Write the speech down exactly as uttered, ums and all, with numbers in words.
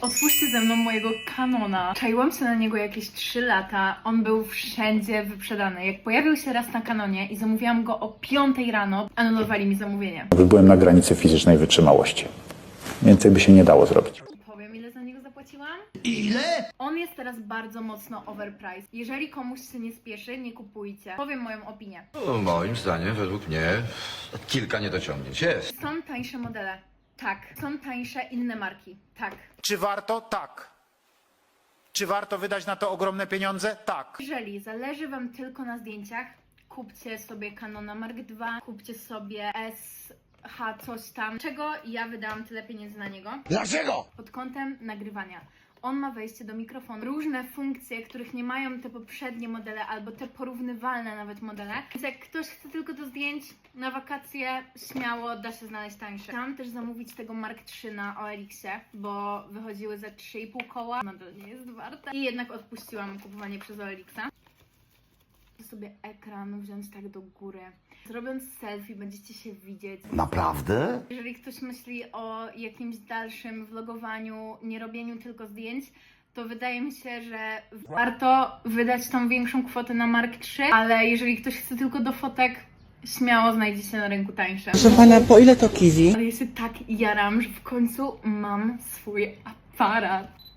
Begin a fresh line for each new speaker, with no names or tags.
Otwórzcie ze mną mojego Canona. Czaiłam się na niego jakieś trzy lata. On był wszędzie wyprzedany. Jak pojawił się raz na Canonie i zamówiłam go o piątej rano, anulowali mi zamówienie.
Byłem na granicy fizycznej wytrzymałości. Więcej by się nie dało zrobić.
Powiem, ile za niego zapłaciłam?
Ile?
On jest teraz bardzo mocno overpriced. Jeżeli komuś się nie spieszy, nie kupujcie. Powiem moją opinię.
No, moim zdaniem, według mnie, kilka niedociągnięć jest.
Są tańsze modele. Tak. Są tańsze inne marki. Tak.
Czy warto? Tak. Czy warto wydać na to ogromne pieniądze? Tak.
Jeżeli zależy wam tylko na zdjęciach, kupcie sobie Canona Mark dwa, kupcie sobie S H coś tam. Czego ja wydałam tyle pieniędzy na niego?
Dlaczego?
Pod kątem nagrywania. On ma wejście do mikrofonu, różne funkcje, których nie mają te poprzednie modele, albo te porównywalne nawet modele. Więc jak ktoś chce tylko do zdjęć na wakacje, śmiało da się znaleźć tańsze. Chciałam też zamówić tego Mark trzy na O L X-ie, bo wychodziły za trzy i pół koła. Nadal nie jest warta. I jednak odpuściłam kupowanie przez O L X-a. Sobie ekran wziąć tak do góry. Zrobiąc selfie będziecie się widzieć.
Naprawdę?
Jeżeli ktoś myśli o jakimś dalszym vlogowaniu, nie robieniu tylko zdjęć, to wydaje mi się, że warto wydać tą większą kwotę na Mark trzy, ale jeżeli ktoś chce tylko do fotek, śmiało znajdzie się na rynku tańsze.
Proszę pana, po ile to kiwi?
Ale ja się tak jaram, że w końcu mam swój aparat.